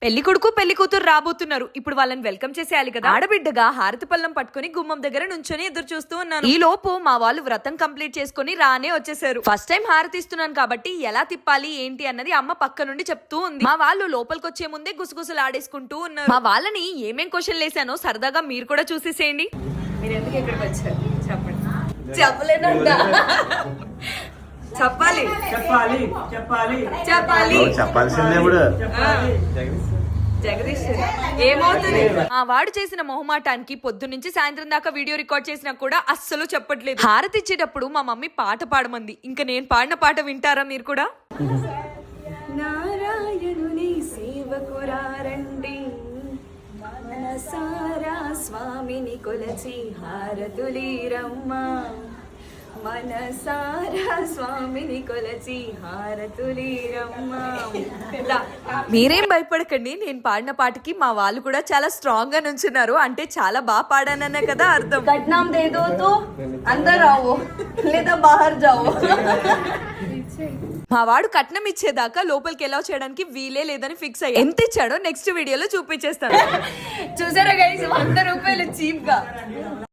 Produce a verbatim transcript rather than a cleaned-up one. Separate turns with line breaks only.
పెళ్లి కొడుకు పెళ్లి కూతురు రాబోతున్నారు. ఇప్పుడు వాళ్ళని వెల్కమ్ చేసేయాలి కదా. ఆడబిడ్డగా హారతి పళ్ళం పట్టుకుని గుమ్మం దగ్గర నుంచొని ఎదురు చూస్తూ ఉన్నాను. ఈ లోపు మా వాళ్ళు వ్రతం కంప్లీట్ చేసుకుని రానే వచ్చేసారు. ఫస్ట్ టైం హారతి ఇస్తున్నాను కాబట్టి ఎలా తిప్పాలి ఏంటి అన్నది అమ్మ పక్క నుండి చెప్తూ ఉంది. మా వాళ్ళు లోపలికి వచ్చే ముందే గుసగుసలు ఆడేసుకుంటూ ఉన్నారు. మా వాళ్ళని ఏమేం క్వశ్చన్ లేసానో సరదాగా మీరు కూడా చూసేసేయండి. మీరు ఎందుకు ఇక్కడికి వచ్చారు చెప్పండి. చెప్పలేనంట. చెప్పాలి
చెప్పాలి చెప్పాలి
చెప్పాలి
చెప్పాల్సిందే ఇప్పుడు.
జగదీష్ ఏమవుతుంది ఆ వాడు చేసిన మొహమాటానికి పొద్దు నుంచి సాయంత్రం దాకా వీడియో రికార్డ్ చేసినా కూడా అస్సలు చెప్పట్లేదు. హారతి ఇచ్చేటప్పుడు మా మమ్మీ పాట పాడమంది. ఇంకా నేను పాడిన పాట వింటారా మీరు కూడా? నారాయణుని సేవకురారండి మనసారా స్వామిని కొలచి హారతులీరమ్మ మనసారా స్వామిని కొలచి హారతులీరమ్మ. మీరేం భయపడకండి, నేను పాడిన పాటకి మా వాళ్ళు కూడా చాలా స్ట్రాంగ్ గా నుంచున్నారు. అంటే చాలా బాగా పాడాననే కదా అర్థం.
కట్నాం దేదో తో అందర్ రావో లేదా బాహర్ జావో.
మా వాడు కట్నం ఇచ్చేదాకా లోపలికి ఎలా చేయడానికి వీలే లేదని ఫిక్స్ అయ్యి ఎంత ఇచ్చాడో నెక్స్ట్ వీడియోలో చూపించేస్తాను.
చూసారా గైస్, వంద రూపాయలు చీప్ గా.